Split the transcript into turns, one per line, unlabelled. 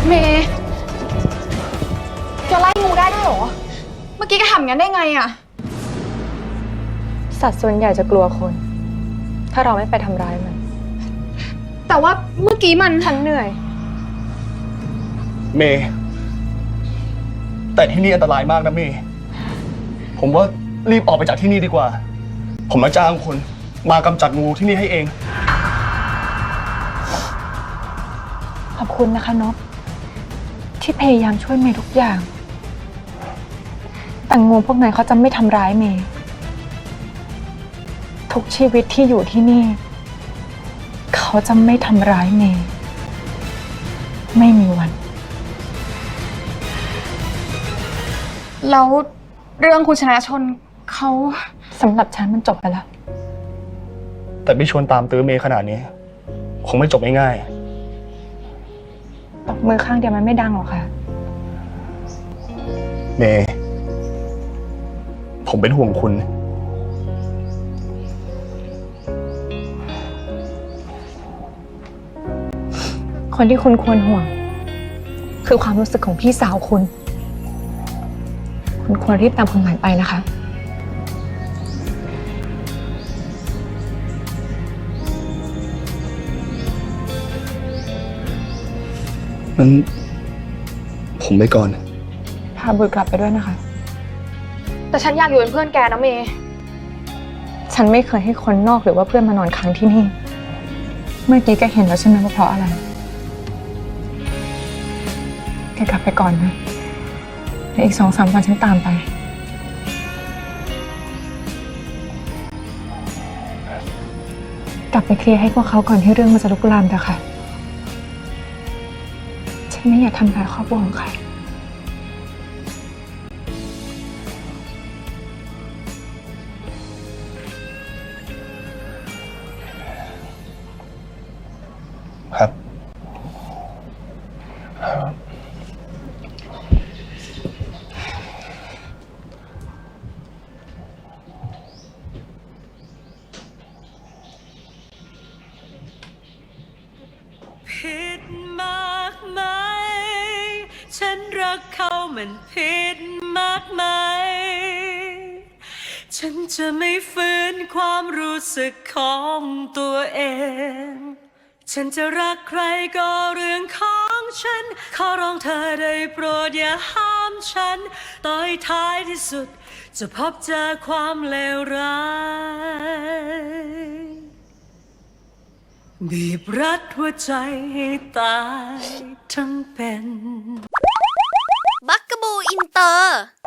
เมย์แกไล่งูได้ด้วยเหรอ เมื่อกี้แกทำงั้นได้ไงอะ
สัตว์ส่วนใหญ่จะกลัวคน ถ้าเราไม่ไปทำร้ายมัน
แต่ว่าเมื่อกี้
ฉันเหนื่อย
เมย์แต่ที่นี่อันตรายมากนะเมย์ผมว่ารีบออกไปจากที่นี่ดีกว่า ผมมาจ้างคนมากำจัดงูที่นี่ให้เอง
ขอบคุณนะคะนพที่พยายามช่วยเมย์ทุกอย่างแต่งูพวกนั้นเขาจะไม่ทำร้ายเมย์ทุกชีวิตที่อยู่ที่นี่ เขาจะไม่ทำร้ายเมย์ไม่มีวัน
แล้วเรื่องคุณชนะชนเขา
สำหรับฉันมันจบไปแล้ว
แต่พี่ชวนตามตื้อเมย์ขนาดนี้คงไม่จบง่าย
ตบมือข้างเดียวมันไม่ดังหรอกค่ะ
ๆเมย์ผมเป็นห่วงคุณ
คนที่คุณควรห่วงคือความรู้สึกของพี่สาวคุณควรรีบตามคนใหม่ไปนะคะ
นั้นผมไปก่อน
พาบุตรกลับไปด้วยนะคะ
แต่ฉันอยากอยู่เป็นเพื่อนแกนะเมย์
ฉันไม่เคยให้คนนอกหรือว่าเพื่อนมานอนค้างที่นี่ เมื่อกี้แกเห็นแล้วใช่ไหมว่าเพราะอะไร แกกลับไปก่อนนะแล้วอีก2-3 วันฉันตามไป กลับไปเคลียร์ให้พวกเขาก่อนที่เรื่องมันจะลุกลามเถอะค่ะ ฉันไม่อยากทำร้ายครอบครัวของใคร
ครับ
ผิดมากไหมฉันรักเขามันผิดมากไหมฉันจะไม่ฝืนความรู้สึกของตัวเองฉันจะรักใครก็เรื่องของฉันขอร้องเธอได้โปรดอย่าห้ามฉันต่อให้ท้ายที่สุดจะพบเจอความเลวร้ายบีบรัดหัวใจให้ตายทั้งเป็น
บักกะบูอินเตอร์